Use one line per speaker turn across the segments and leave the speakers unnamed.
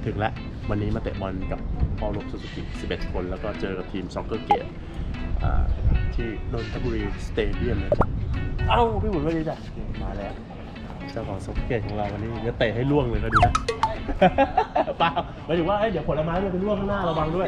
ถึงแล้ววันนี้มาเตะบอลกับพ่อรบซูซูกิ11 คนแล้วก็เจอกับทีมซ็อกเกอร์เกตที่นนทบุรีสเตเดียมนะจ๊ะเอ้าพี่บุญว่าดีจ้ะมาแล้วเจ้าของซ็อกเกอร์เกตของเราวันนี้จะเตะให้ล่วงเลยก็ดูนะ เปล่าหมายถึงว่าเดี๋ยวผลไม้มันเป็นล่วงข้างหน้าระวังด้วย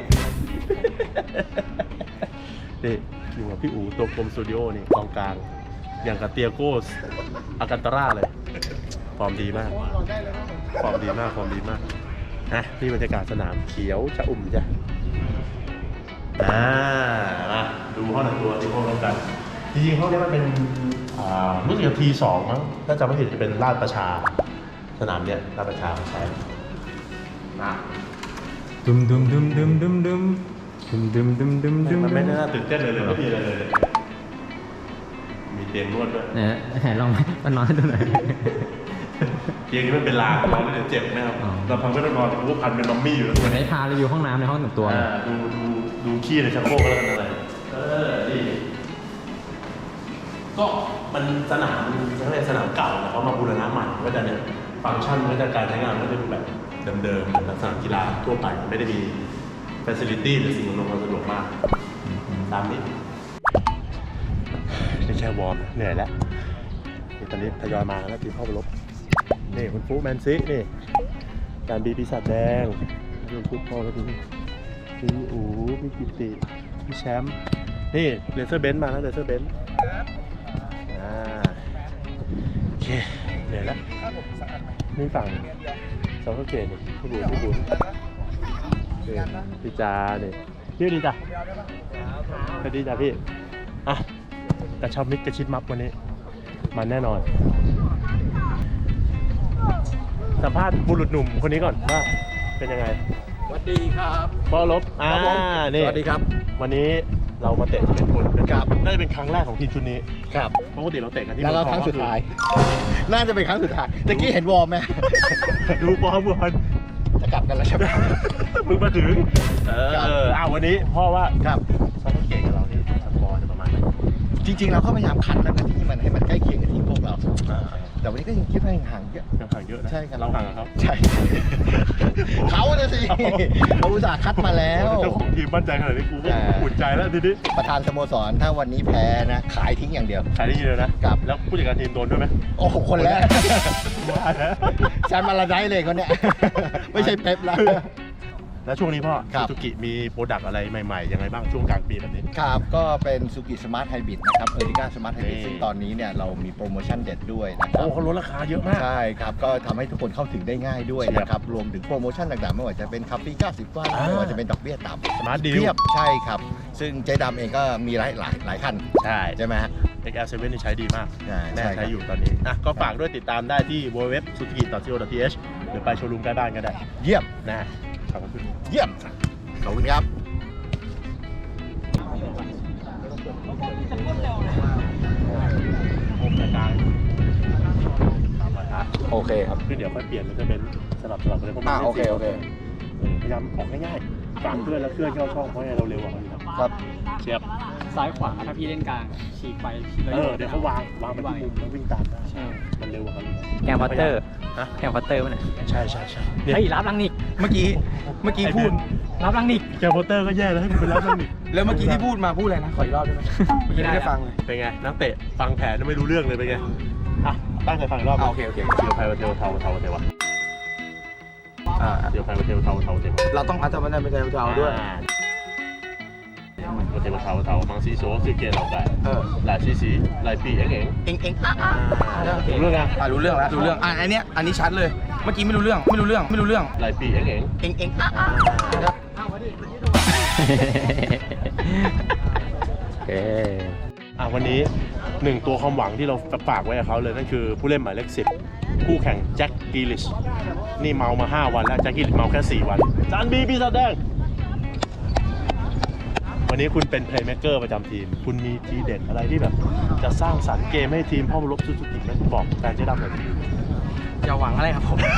นี่อยู่กับพี่อู๋ตัวกลมสตูดิโอนี่กองกลางอย่างกับเตียโก้อากันตาร่าเลยฟอร์มดีมากฟอร์มดีมากนะนี่บรรยากาศสนามเขียวชะอุ่มจ้ะมาดูห้องแต่งตัวที่พวกเรากันจริงๆห้องนี้มันเป็นรู้สึกจะT2มั้งถ้าจำไม่ผิดจะเป็นลาดประชาสนามเนี้ยลาดประชาใช่มา
ดุม
มันไม่น่าตื่นเต้นเลยไม่มีอะไรเลยมีเตียงนวดด้วย
เนี่ยลองมันนอนให้ดูหน่อย
เตียงนี้มันเป็นรางนอนแล้วเดี๋ยวเจ็บไหมครับเราพังไม่ต้องนอนแต่กูพันเป็นมัมมี่อยู่แล้ว
เหมือนให้พารีวิวห้องน้ำในห้องแต่งตัว
ดูขี้ในชักโครกแล้วกันอะไรนี่ก็มันสนามสนามเก่าแต่เขามาบูรณะใหม่ก็จะเนี่ยฟังก์ชันก็จะการใช้งานก็จะดูแบบเดิมๆเหมือนสนามกีฬาทั่วไปไม่ได้มีfacility หรือสิ่งอำนวยความสะดวกมากตามนี้ไม่ใช่วอร์มเหนื่อยแล้วตอนนี้ทยอยมาแล้วทีมพ่อรบนี่คุณฟูแมนซินี่การบีปีศาจแดงคุณฟูพ่อแล้วพี่อู๋พี่กิติพี่แชมป์นี่เลเซอร์เบนซ์มาแล้วเลเซอร์เบนซ์โอเคเหนื่อยแล้วนี่ฝั่งสองเกตนี่พี่บุญพี่จาเนี่ยพี่ดีจ้ะสวัสดีจ้ะพี่อ่ะกระชับมิตรกระชิดมับวันนี้มันแน่นอนสัมภาษณ์บุรุษหนุ่มคนนี้ก่อนว่าเป็นยังไง
สวัสดีครับ
พ่อรบนี่
สวัสดีครับ
วันนี้เรามาเตะ11 คนนะครับน่าจะเป็นครั้งแรกของทีมชุดนี้
ครับ
ปกติเราเตะกันที่
แล้วครั้งสุดท้ายน่าจะเป็นครั้งสุดท้ายตะกี้เห็นวอร์มไหม
ดูบอล
จะกลับกันแล้วใช่ไหม
มึงมาถึงวันนี้พ่อว่า
ครับ
เขาต้องเก่งกับเราที่สกอร์จะประมาณไหน
จริงๆเราก็พยายามขัดแล้วนะที่มันให้มันใกล้เคียงกับทีมพวกเราแต่วันนี้ก็ยังคิดว่ายังห่างเยอะ
ห่างเยอะนะ
ใช่ครับ
เราห่างกับเขา
ใช่เขาเนี่ยสิเขาอุตส่าห์คัดมาแล้ว
เจ้าของทีมมั่นใจขนาดนี้กูก็อุ่นใจแล้วทีนี้
ประธานสโมสรถ้าวันนี้แพ้นะขายทิ้งอย่างเดียว
ขายได้เยอะนะครับแล้วผู้จัดการทีมโดนด้วยไหม
โอ้โหคนแรกฉันมาละได้เลยคนเนี้ยไม่ใช่เป๊ปแล้ว
แล้วช่วงนี้พ่อซูซูกิมีโปรดักต์อะไรใหม่ๆยังไงบ้างช่วงกลางปีแบบนี้
ครับก็เป็นซูกิสมาร์ทไฮบริดนะครับเออริก้าสมาร์ทไฮบริดซึ่งตอนนี้เนี่ยเรามีโปรโมชั่นเด็ดด้วยนะครับ
เขาลดราคาเยอะมาก
ใช่ครับก็ทำให้ทุกคนเข้าถึงได้ง่ายด้วยนะครับรวมถึงโปรโมชั่นต่างๆไม่ว่าจะเป็นคาฟี90 วันไม่ว่าจะเป็นดอกเบี้ยต่ำ
สมาร์ทดีล
เทียบใช่ครับซึ่งเจ๊ดำเองก็มีหลายคันใช่ไหมฮะ
XL7 นี่ใช้ดีมากแน่ใช้อยู่ตอนนี้ก็ฝากด้วยติดตามได้ที่ www.suzuki.co.th หรือไปโชว์รูมใกล้บ้านก็ได้
เยี่ยม
นะขอบคุณ
เยี่ยมขอบคุณครับโอเคครับ
คือเดี๋ยวค่อยเปลี่ยนมันจะเป็นสลับไปเลยเพราะมัน
โอเค
พยายามออกง่ายๆกลางเคลื่อนแล้วเคลื่อนเข้าช่องเพราะเราเร็วกว่า
ครับ
เชียบ
ซ้ายขวาถ้าพี่เล่นกลางฉีกไป
เดี๋ยวเขาวางไปที่มุมแล้ววิ่งตามได้มันเร็วกว่าเขา
แกมพัตเตอร์มัน
ใช่
เฮ้ยรับลังนิกเมื่อกี้พูดรับลังนิก
แกมพัตเตอร์ก็แย่แล้วให้มันเป็นรับลังนิก
แล้วเมื่อกี้ที่พูดมาพูดอะไรนะขออีกรอบได้ไหมไม่ได้ฟังเลย
เป็นไงนักเตะฟังแผนไม่รู้เรื่องเลยเป็นไงตั้งใจฟังอีกรอบ
โอเค
เดี๋ยวไพวันเทลเทวะเดี๋ยวไพวันเทลเทว
เราต้องอาจจะไม่ได้เป็นเทลด้วย
วันเทลเทวมังซีโซ่สื่อเกลเราได้หลายซีหลายปีเองรู้เรื่องนะ
รู้เรื่องอันนี้ชัดเลยเมื่อกี้ไม่รู้เรื่อง
หลายปีเองวันนี้1ตัวความหวังที่เราฝากไว้กับเขาเลยนั่นคือผู้เล่นหมายเลข10คู่แข่งแจ็คกิลิชนี่เมามา5 วันแล้วแจ็คกิลิชเมาแค่4 วันจานบีปีศาจแดงวันนี้คุณเป็นเพลย์เมคเกอร์ประจำทีมคุณมีทีเด็ดอะไรที่แบบจะสร้างสรรค์เกมให้ทีมพ่อรบซูซูกิไหมบอกแฟนเจ๊ดำหน่อย
อย่าหวังอะไรครับผม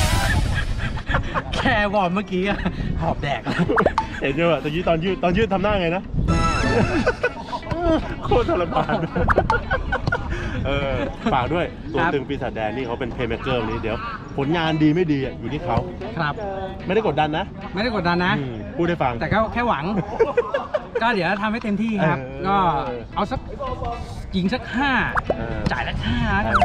แค่วอร์มเมื่อกี้หอบแดก
เห็นไหมตอนยืดทำหน้าไงนะโคตรทรมานฝากด้วยตัว
ครับ
ตึงปีศาจแดงนี่เขาเป็นเพลย์เมคเกอร์นี้เดี๋ยวผลงานดีไม่ดีอ่ะอยู่ที่เขา
ครับ
ไม่ได้กดดันนะ
ไม่ได้กดดันนะ
พูดให้ฟัง
แต่ก็แค่หวัง ก็เดี๋ยวทำให้เต็มที่ครับ ก็เอาสักยิงสัก 5 จ่ายสัก5แล้วกัน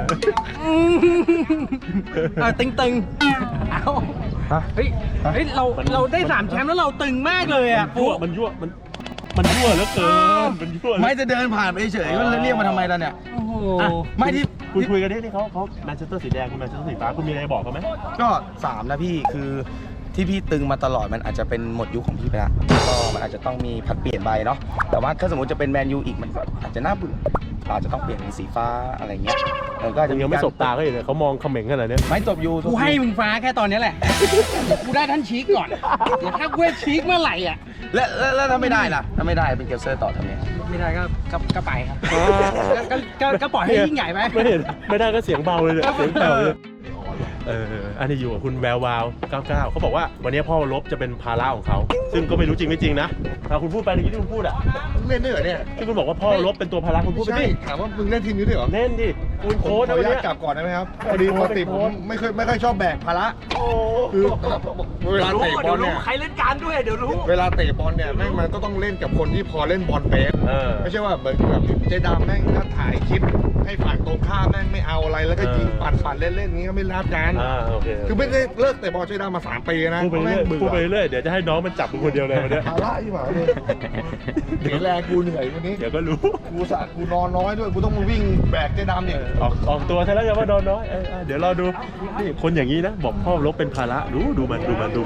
ตึงๆเอาเฮ้ยเราได้3แชมป์แล้วเราตึงมากเลยอ่ะปุ๊
มันยั่วมันยั่วเหลือเกินมันยั่ว
ไม่จะเดินผ่านไปเฉยๆก็เรียกมาทำไมล่ะเนี่ยโอ้โหไม่ที่
คุณคุยกันที่เขาแมนเชสเตอร์สีแดงคุณแมนเชสเตอร์สีฟ้าคุณมีอะไรบอกเขาไหม
ก็3นะพี่คือที่พี่ตึงมาตลอดมันอาจจะเป็นหมดยุคของพี่ไปละก็มันอาจจะต้องมีผัดเปลี่ยนไปเนาะแต่ว่าถ้าสมมติจะเป็นแมนยูอีกมันก็อาจจะน่าเบื่อเราอาจจะต้องเปลี่ยนเป็นสีฟ้าอะไรเงี้ยก็อาจจะ
ยังไม่สบตาเขาเลยเขามองเขม่งขนาดนี้
ไม่จบยู
กูให้มึงฟ้าแค่ตอนนี้แหละกูได้ท่านชีกก่อนเดี๋ยวถ้ากูได้ชีกเมื่อไหร่อ่ะ
แล้วถ้าไม่ได้ล่ะถ้าไม่ได้เป็นเกลเซอร์ต่อทำไง
ไม่ได้ก็ไปครับก็ปล่อยให้ยิ่งใหญ่ไป
ไม่ได้ก็เสียงเบาเลยเนี่ยเสียงแผ่วเลยอันนี้อยู่กับคุณแวววาว 99 เขาบอกว่าวันนี้พ่อลบจะเป็นภาระของเขาซึ่งก็ไม่รู้จริงไม่จริงนะคุณพูดไปเมื่อกี้ที่คุณพูดอ่ะ
เล่นด้วยเหรอเนี่ย
ที่คุณบอกว่าพ่อลบเป็นตัวภาระคุณพูดไป
ใช่
ดิ
ถามว่ามึงเล่นทีมนี้ด้วยเหรอ
เล่นดิคุณ
ข
โค้
อ
ช
อ
นะ
นุ
วัน
ญา
นี้
ตกลับก่อนได้ไหมครับพอดีปกติผมไม่ค่อยชอบแบกภาระคือเวลาเตะบอลเนี่ย
ใครเล่นการด้วยเดี๋ยวรู้
เวลาเตะบอลเนี่ยแม่งมันก็ต้องเล่นกับคนที่พอเล่นบอลเป็น ไม่ใช่ว่าเหมือนแบบเจดามแม่งก็ถ่ายคลิปให้ฝ่ายตรงข้ามแม่งไม่เอาอะไรแล้วก็ยิงปั่นเล่นๆนี้ก็ไม่รับกัน
โอเค
คือไม่ได้เลิกเตะบอลเจดามมา3 ปีนะ
พูดไปเรื่อยพูดไปเรื่อยเดี๋ยวจะให้น้องมันจับมึงคนเดียวเลยวันนี้
ภาระอีหว่าเลยเสียแรงกูเหนื่อยวันนี้
เดี๋ยวก็รู้
กูนอนน้อยด้วยกูต้องมาวิ่งแบกเจดามเนี่ย
ออกตัวใช่แล้วอย่าว่าโดนน้อยเดี๋ยวรอดูนี่คนอย่างนี้นะบอกพ่อลบเป็นภาระดูมันเดี๋ยวมาดู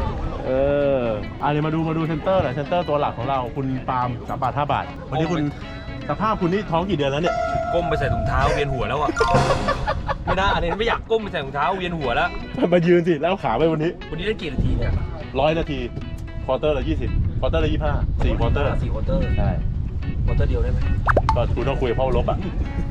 เซนเตอร์หน่อยเซนเตอร์ตัวหลักของเราคุณปาล์ม3 บาท 5 บาทวันนี้คุณสภาพคุณนี่ท้องกี่เดือนแล้วเนี่ย
ก้มไปใส่ถุงเท้าเวียนหัวแล้วอ่ะ ไม่ได้อันนี้ไม่อยากก้มไปใส่ถุงเท้าเวียนหัวแล้ว
มายืนสิแล้วขาไปวันนี้
วันนี้ได้กี่นาทีเนี่ย
100 นาทีควอเตอร์ละ20ควอเตอร์ละ25 4ควอเตอร์
4 ควอเตอร์
ใช่
ควอเตอร์เดียวได้ไหม
ก็คุณต้องคุยกับพ่อลบอ่ะ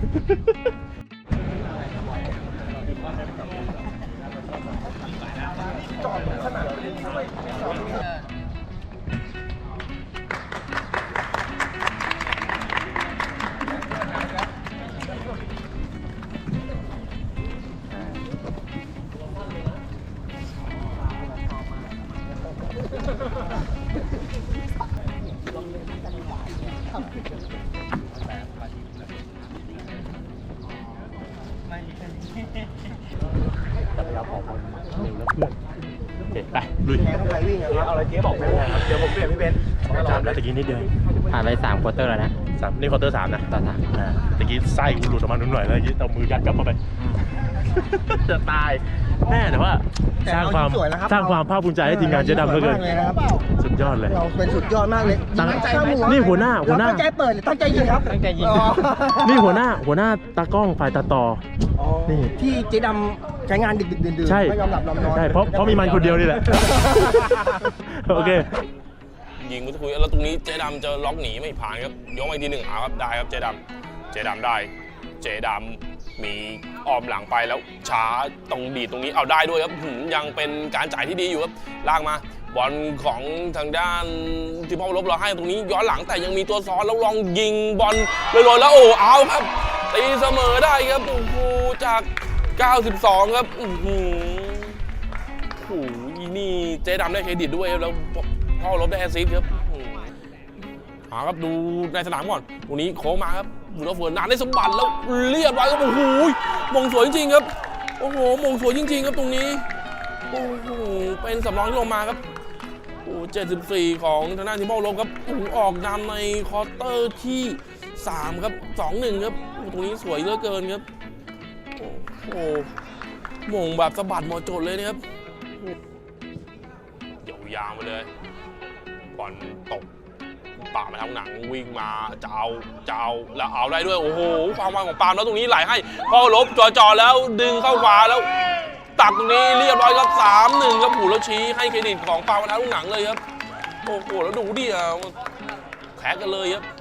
จักรยานของคนเร็วแล้วเพื่อนโอเคไปลุย
เอาอะไรเจ๊บอกไปเลยครับเดี๋ยวผมเปลี่ยนพี่เบนซ์
จำแล้วตะกี้นิดเดียว
ผ่านไป3ควอเตอร์แล้วนะ
นี่ควอเตอร์ 3นะ
ต่อ3
ตะกี้ไส้กูหลุดออกมาหน่อยแล้วเอามือยัดกลับเข้าไป จะตายแน่แต่ว่าสร้างความภาคภูมิใจให้ทีมงานเจ๊ดำเหลือเกินสุดยอดเลย
เราเป็นสุดยอดมากเลย
ตั้งใจนี่หัวหน้า
ตั้งใจเปิดหรือตั้งใจยิงครับตั้งใจยิง
นี่หัวหน้าตากล้องฝ่ายตัดต่อนี่
ที่เจ๊ดำใช้งานดึกๆดื่นๆ
ใช่
ไม่ยอมหลับยอมนอน
ใช่เพราะมีมันคนเดียวนี่แหละ โอเค
ยิงมุทคุยแล้วตรงนี้เจดำจะล็อกหนีไม่ผ่านครับยกมาอีกทีหนึ่งเอาครับได้ครับเจดำได้เจดำมีออมหลังไปแล้วช้าตรงดีดตรงนี้เอาได้ด้วยครับยังเป็นการจ่ายที่ดีอยู่ครับลากมาบอลของทางด้านที่พ่อลบเราให้ตรงนี้ย้อนหลังแต่ยังมีตัวซ้อนแล้วลองยิงบอลลอยๆแล้วโอ้เอาครับตีเสมอได้ครับโอ้โหจาก 92 ครับโอ้โหนี่เจดำได้เครดิตด้วยครับแล้วพ่อลบได้แอสซิสต์ครับครับดูในสนามก่อนตรงนี้โค้งมาครับดูแล้วเฟิร์นนานได้สมบัติแล้วเรียบร้อยครับโอ้โหมงสวยจริงๆครับโอ้โหมงสวยจริงๆครับตรงนี้โอ้โหเป็นสำรองที่ลงมาครับโอ้74ของทางด้านทีมพ่อลบครับโอ้โหออกนำในควอเตอร์ที่3ครับ 2-1 ครับตรงนี้สวยเหลือเกินครับโอ้โหมงแบบสะบัดหมดจดเลยนะครับยาวๆมาเลยบอลตกปามาทางหนังวิ่งมาจะเอาแล้วเอาได้ด้วยโอ้โหความไวของปาล์มแล้วตรงนี้ไหลให้พ่อลบจ่อแล้วดึงเข้าขวาแล้วตักตรงนี้เรียบร้อยครับ 3-1 ครับหูแล้วชี้ให้เครดิตของปาล์มมาทางหนังเลยครับโอ้โหแล้วดูดิแข่งกันเลยครับ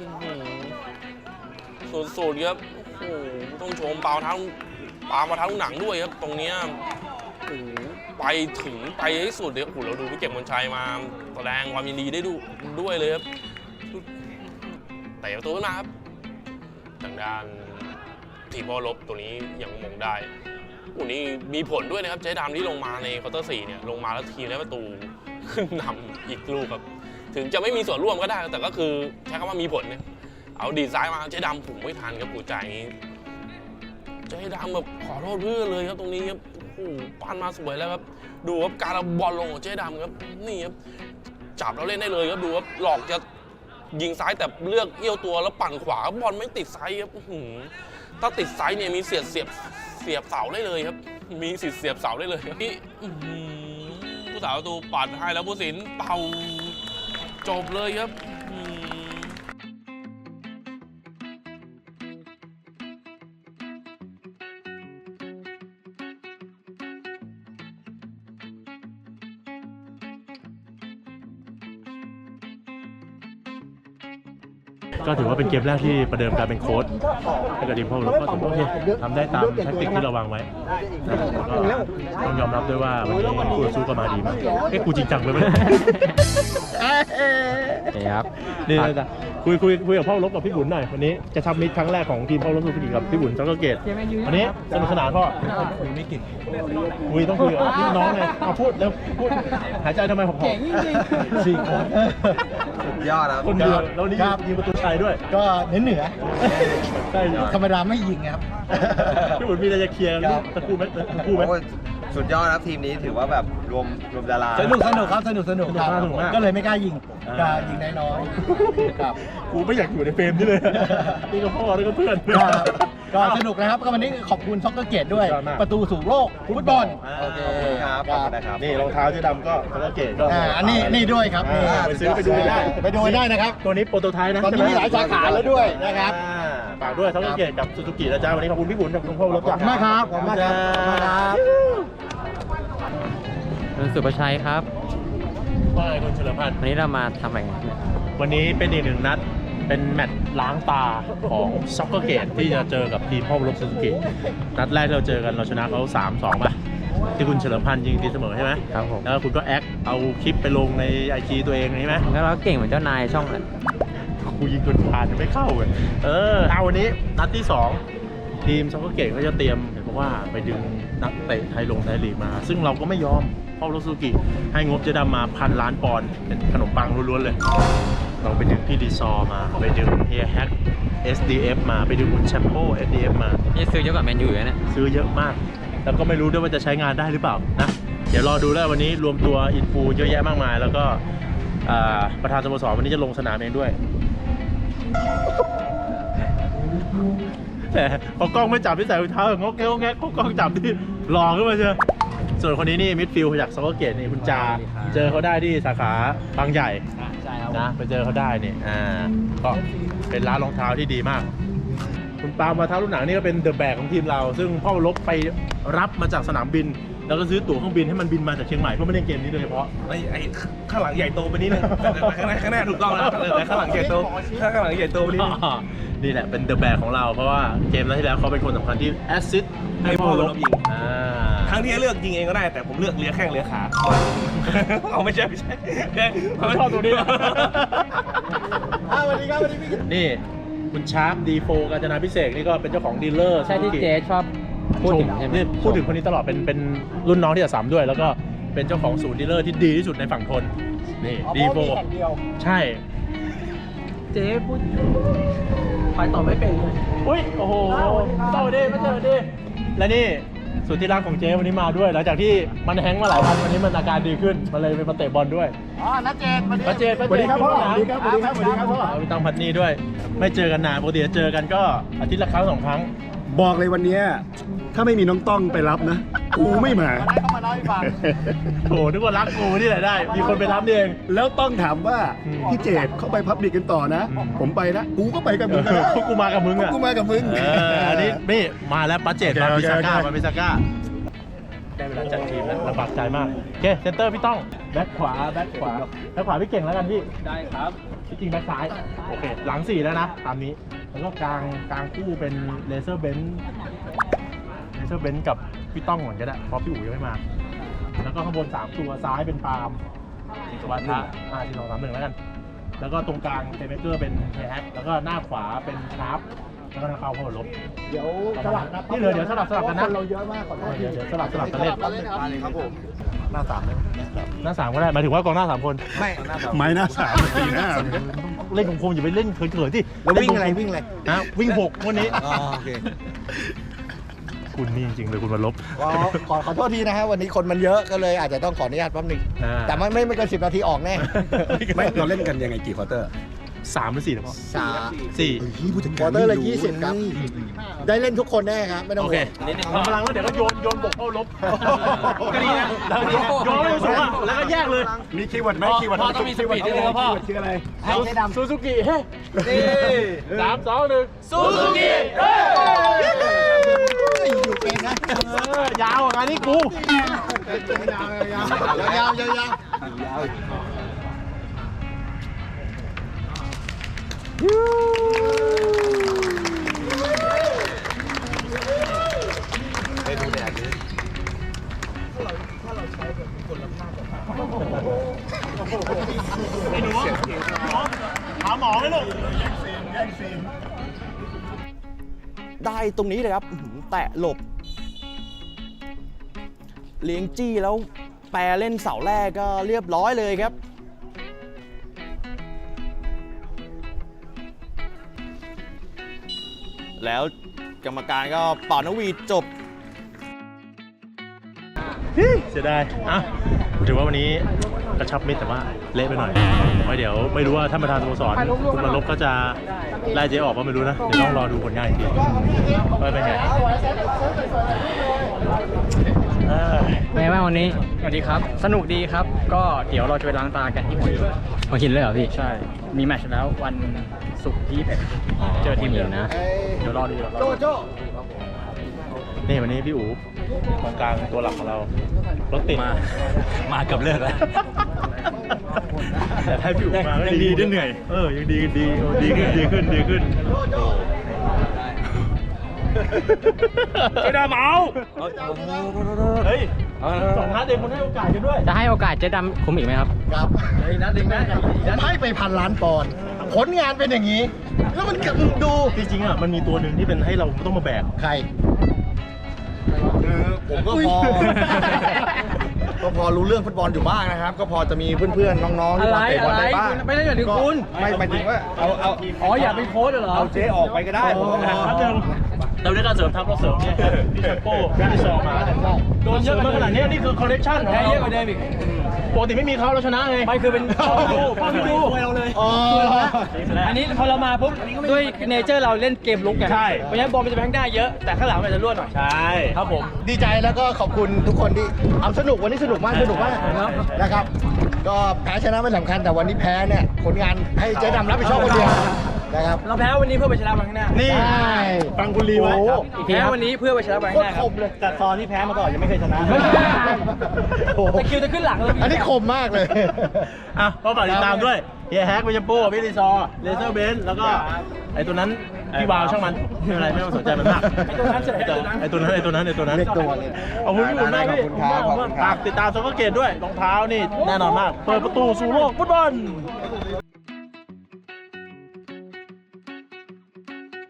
สุดๆครับโอ้โหต้องชมปาล์มมาทางหนังด้วยครับตรงเนี้ยโอ้โหไปถึงไปให้สุดเลยโอ้โหเราดูพี่เก่งมนชัยมาแสดงความยินดีได้ด้วยเลยครับเตะประตูขึ้นมาครับทางด้านทีมพ่อรบตัวนี้ยังมงได้วันนี้มีผลด้วยนะครับเจ๊ดำที่ลงมาในควอเตอร์ 4เนี่ยลงมาแล้วทีมได้ประตูขึ้นนำอีกลูกครับถึงจะไม่มีส่วนร่วมก็ได้แต่ก็คือใช้คำว่ามีผลเนี่ยเอาดีซ้ายมาเจ๊ดำผมไม่ทันครับกูจ่ายเจ๊ดำแบบขอโทษเพื่อนเลยครับตรงนี้ครับโอ้โหปั้นมาสวยแล้วครับดูครับการเอาบอลลงของเจ๊ดำครับนี่ครับจับแล้วเล่นได้เลยครับดูครับหลอกจะยิงซ้ายแต่เลือกเอี้ยวตัวแล้วปั่นขวาบอลไม่ติดไซส์ครับถ้าติดไซส์เนี่ยมีเสียบเสาได้เลยครับมีสิทธิ์เสียบเสาได้เลยนี่ผู้สาวประตูปัดให้แล้วผู้สินเป่าจบเลยครับ
ก็ถือว่าเป็นเกมแรกที่ประเดิมการเป็นโค้ชให้กับทีมพ่อรบก็ถือว่าโอเคทำได้ตามแทคติกที่เราวางไว้ก็ต้องยอมรับด้วยว่าวันนี้คู่สู้ก็มาดีมากกูจริงจังเลยไหม
นี่ครับ
นี่นะคุยกับพ่อรบกับพี่บุญหน่อยวันนี้จะทำมิตรครั้งแรกของทีมพ่อรบสุขีกับพี่บุญจ็อกเกอร์เกตวันนี้สนุกสนานพ่อคุยไม่กินคุยต้องคุยกับพี่น้องไงเอาพูดแล้วพูดหายใจทำไมผม4 คน
ยอดครับ
คนเดียวแล้วนี่ยิงประตูชัยด้วย
ก็เหนือ
ใช่
ธรรมดาไม่ยิงครับ
พี่บุญมีอะไรจะเคลียร์ตะคู่ไหม
สุดยอดครับทีมนี้ถือว่าแบบรวมดารา
สนุกครับสนุกครับ
สนุกมาก
ก็เลยไม่กล้ายิงกล้ายิงน้อยๆครับ
กูไม่อยากอยู่ในเฟรมนี่เลยนี่ก็พ่อนี่ก็เพื่อน
ก็สนุกนะครับก็วันนี้ขอบคุณซ็อกเกอร์เกตด้วย
ยอดมาก
ประตูสู่โลกฟุตบอล
โอเคครับขอบคุณนะครับ
นี่รองเท้าเจ๊ดำก็จ็อกเกอร์เกตก็
อันนี้ด้วยครับ
ไปซื้อไปดูได้
ไปดูได้นะครับ
ตัวนี้โปรโตไทป์นะ
ตอนนี้มีหลายสาขาแล้วด้วยนะครับ
ฝากด้วยจ็อกเกอร์เกตกับซูซูกินะจ๊ะวันนี้ขอบคุณพี่บุญกับคุณพ่อรบ
ขอบคุณมากครับขอบคุณมากครับขอบคุณครับ
คุณสุประชัยครับ
ว่าไงคุณเฉลิมพันธ์
วันนี้เรามาทำอะไรกัน
วันนี้เป็นอีกหนึ่งนัดเป็นแมตช์ล้างตาของซ็อกเกอร์เกตที่จะเจอกับทีมพ่อรบซูซูกินัดแรกที่เราเจอกันเราชนะเขา 3-2 ป่ะที่คุณเฉลิมพันธ์ยิงตีเสมอใช่ไหม
ครับผม
แล้วคุณก็แอคเอาคลิปไปลงใน IG ตัวเองใช่ไหม
แล้วเราเก่งเหมือนเจ้านายช่องนั้น
กูยิงจนผ่านยังไม่เข้าเลยเอาวันนี้นัดที่ 2 ทีมซ็อกเกอร์เกตก็จะเตรียมเห็นบอกว่าไปดึงนักเตะไทยลีกมา ซึ่งเราก็ไม่ยอมพ่อรบซูซูกิให้งบเจ๊ดำมา1,000 ล้านปอนด์เป็นขนมปังล้วนๆเลยเราไปดึงพี่ดีซอร์มาไปดึงเฮียแฮก SDF มาไปดึงคุณแชมโป้ SDF มา
นี่ซื้อเยอะกว่าแมนยูอยู่นะเนี่ย
ซื้อเยอะมาก แล้วก็ไม่รู้ด้วยว่าจะใช้งานได้หรือเปล่านะ เดี๋ยวรอดูแล้ววันนี้รวมตัวอินฟูเยอะแยะมากมาย แล้วก็ประธานสโมสรวันนี้จะลงสนามเองด้วย แต่พอกล้องไม่จับที่ใส่รองเท้างอกแงกแงกกล้องจับที่หลอกขึ้นมาเชียวส่วนคนนี้นี่มิดฟิลด์จากซ็อกเกอร์เกตนี่คุณจาเจอเขาได้ที่สาขาบางใหญ่
ใช่ครับ
นะไปเจอเขาได้นี่ก็เป็นร้านรองเท้าที่ดีมาก คุณปาล์มมาท้าลูกหนังนี่ก็เป็นเดอะแบกของทีมเรา ซึ่งพ่อรบไปรับมาจากสนามบิน แล้วก็ซื้อตั๋วเครื่องบินให้มันบินมาจากเชียงใหม่เพื่อมาเล่นเกมนี้โดยเฉพาะ
ไอ้ข้างหลังใหญ่โตไปนิดนึงข้างหน้าถูกต้องแล้วแต่ข้างหลังใหญ่โตข้างหลังใหญ่โตไปนิดนึง
นี่แหละเป็นเดอะแบกของเราเพราะว่าเกมนั้นที่แล้วเขาเป็นคนสำคัญที่แอสซิสต์ให้พ่อรบยิง
ครั้งที่เลือกยิงเองก็ได้แต่ผมเลือกเลี้ยแข้งเลี้ยขา เอาไม่ใช่
ผมชอบตัวนี้
สวัสดีครับสวัสดีพี่
นี่คุณชาร์ปดีโฟกาญจนาพิเศษนี่ก็เป็นเจ้าของดีลเลอร์
ใช่ที่เจ๊ชอบพูดถึงใช่ไหม
นี่พูดถึงคนนี้ตลอดเป็นรุ่นน้องที่3ด้วย แล้วก็เป็นเจ้าของศูนย์ดีลเลอร์ที่ดีที่สุดในฝั่งทนนี่ดีโฟใช่
เจ๊พูดไปต่อไม่เป็นเลย
อุ้ยโอ้โหเจ้าดิมาเจอดิและนี่สุดที่รักของเจ๊วันนี้มาด้วยหลังจากที่มันแฮงก์มาหลายวันวันนี้มันอาการดีขึ้นมันเลยไปมาเตะบอลด้วย
นัดเจน
ป้าเจน
สวัสดีครับพ่อสวัสดีครับสวัสดีครับสวัสดีครับพ่อ
พี่ต้องพัดนี่ด้วย ไม่เจอกันนานปกติจะเจอกันก็อาทิตย์ละครั้ง2 ครั้ง
บอกเลยวันเนี้ยถ้าไม่มีน้องต้องไปรับนะ กูไม่มา
เข้ามาเล่าให้ฟัง
โถนึกว่ารักกูนี่แหละได้ มีคนไปรับนี่เอง
แล้วต้องถามว่า
อืม
พี่เจดเขาไปพับบิกกันต่อนะ
อืม
ผมไปนะ กูก็ไปกับมึงก็ได้
พวกกูมากับมึงอ่ะ
กูมากับมึง
อันนี้นี่มาแล้วป้าเจดมา
โอ
บิ
เค
ซาก้า
โอเค
มาบิซาก้าได้เวลาจัดทีมแล้วลำบากใจมากโอเคเซนเตอร์พี่ต้องแบ็คขวาแบ็คขวาพี่เก่งแล้วกันพี่
ได้ครับ
ที่จริงแบ็คซ้ายโอเคหลัง4แล้วนะตามนี้แล้วก็กลางคู่เป็นเลเซอร์เบนซ์กับพี่ต้องก่อนก็ได้เพราะพี่อู๋ยังไม่มาแล้วก็ข้างบน3ตัวซ้ายเป็นปาล์มวัฒน์4-2-3-1แล้วกันแล้วก็ตรงกลางเทเบเกอร์เป็นแฮกแล้วก็หน้าขวาเป็นชาร์ปแล้วก็เข้าลบ
เดี๋ยวสลับนะ
นี่เลยเดี๋ยวสลับกันนะ
คนเราเยอะมากขอโทษที
เดี๋ยวสลับกันเล่น
ครับผม
หน้า3ก็ได้หมายถึงว่ากองหน้า3คน
ไม่
ไม้หน้า3 4 หน้า
เล่นคมๆอย่าไปเล่นเขินๆที่
แล้ววิ่งอะไร
นะวิ่ง6วันนี้
โอเค
คุณนี่จริงๆเลยคุณมาลบ
ขอโทษทีนะฮะวันนี้คนมันเยอะก็เลยอาจจะต้องขออนุญาตแป๊บนึงแต่ไม่เกิน10 นาทีออกแน่
ไม่เราเล่นกันยังไงกี่ควอเตอร์
3 หรือ 4นะพ่อ 4
ควอเตอร์ละ20 ครับ ได้เล่นทุกคนแน่ครับไม่ต้อง
โอ
ห่
เคว
ง
พลังแล้วเดี๋ยวก็โยนบกเข้าลบก็ดีนะโยนเลยสูงแล้วก็แยกเลย
มีคีย์เวิร์ดไหมคีย์เวิร์ด
พ่อต้องมีสปีดนิดนึงครับพ่อ
คืออะไร
ให้เจ๊ดำ
ซูซูกิเฮ้3 2 1ซูซูกิ
อยู่เกมนะ
ยาวงานนี้กู
ยาว
ไอ้หนูหาหมอไหมลูก
ได้ตรงนี้เลยครับแตะหลบ เลี้ยงจี้แล้วแปรเล่นเสาแรกก็เรียบร้อยเลยครับ แล้วกรรมการก็เป่านกหวีดจบ
เสียดายอ่ะถือว่าวันนี้กระชับมิตรแต่ว่าเละไปหน่อยไว้เดี๋ยวไม่รู้ว่าท่านประธานสโมสรคุณมาลบก็จะไล่เจ๊ออกก็ไม่รู้นะ เดี๋ยวต้องรอดูผลงานอีกทีว่าเป็นไง
เป็นไงบ้างวันนี้ สวัสดีครับ สนุกดีครับ ก็เดี๋ยวเราจะไปล้างตากันที่หัวหินเลยเหรอพี่ ใช่ มีแมตช์แล้ววันศุกร์ที่21เจอทีมเหนือนะ เดี๋ยวรอดู
โจ
นี่วันนี้พี่อู๋กองกลางตัวหลักของเรารถติดมาเกือบเลิกแล้วแต่ถ้าพี่อู๋มาก็ดีได้เหนื่อยยังดีขึ้นไม่ได้เมาเฮ้ย2 นัดเองคุณให้โอกาสกันด้วย
จะให้โอกาสเจ๊ดำคุมอีกไหมครับ
ครับผมให้ไป1,000 ล้านปอนด์ผลงานเป็นอย่างนี้ แล้วมันดู
จริงๆอ่ะมันมีตัวหนึ่งที่เป็นให้เราต้องมาแบก
ใคร
คือผมก็พอรู้เรื่องฟุตบอลอยู่บ้างนะครับ ก็พอจะมีเพื่อนๆน้องๆที่มาเตะบอลได้บ้าง
ไม่ได้อย่างที่คุณ
ไม่หมายถึงว่าเอา
อ๋ออยากเป็นโค้ชเหรอ
เอาเจ๊ออกไปก็ได้ผมก็
ครับนึงเราได้การเสริมทัพเราเสริมเนี่ยพี่แชมโป้พี่ซอมาโดนเยอะมาขนาดนี้นี่คือคอลเลคชั่นของ
แพ้
เรา
เยอะกว่าเดิมอีก
ปกติไม่มีเขาเราชนะไง
ไม่คือเป็นพ่อพี่ดู
เราเลย
อันนี้พอเรามาปุ๊บด้วยเนเจอร์เราเล่นเกมลุกไง
ใช่
เพราะฉะนั้นบอลมันจะไปข้างหน้าเยอะแต่ข้างหลังมันจะรั่วหน่อย
ใช่
ครับผม
ดีใจแล้วก็ขอบคุณทุกคนที่เอาสนุกวันนี้สนุกมากนะครับ ก็แพ้ชนะไม่สำคัญแต่วันนี้แพ้เนี่ยผลงานให้เจ๊ดำรับผิดชอบคนเดียวนะครับ
เราแพ้วันนี้เพื่อไปชนะวันข้างหน้า
นี่
ใช่
ฟังคุณลีไว้
โอ้โห
ครับ
แพ้วันนี้เพื่อไปชนะวัน
โค
ข้างห
ตร
น้า
คมเลย
แต่ซอนที่แพ้มาก่อนยังไม่เคยชนะ
ไม่ใช่
โอ้โห
แต่คิวจะขึ้นหลังเลย
อันนี้คมมากเลย
อ่ะก็ฝากติดตามด้วยเฮียแฮกพี่แชมโป้พี่รีซอร์เลเซอร์เบนซ์แล้วก็ไอ้ตัวนั้นพี่วาวช่างมันไม่เป็นไรไม่ต้องสนใจมันมากไอ้ตัวนั้นไอ้ตัวนั้น
เรียกตัวเลย
ขอบคุณพี่บุญมากพี่
ขอบคุณครับ
ฝากติดตามซ็อกเกอร์เกตด้วยรองเท้านี่แน่นอนมาก เปิดประตูสู่โลกฟุตบอล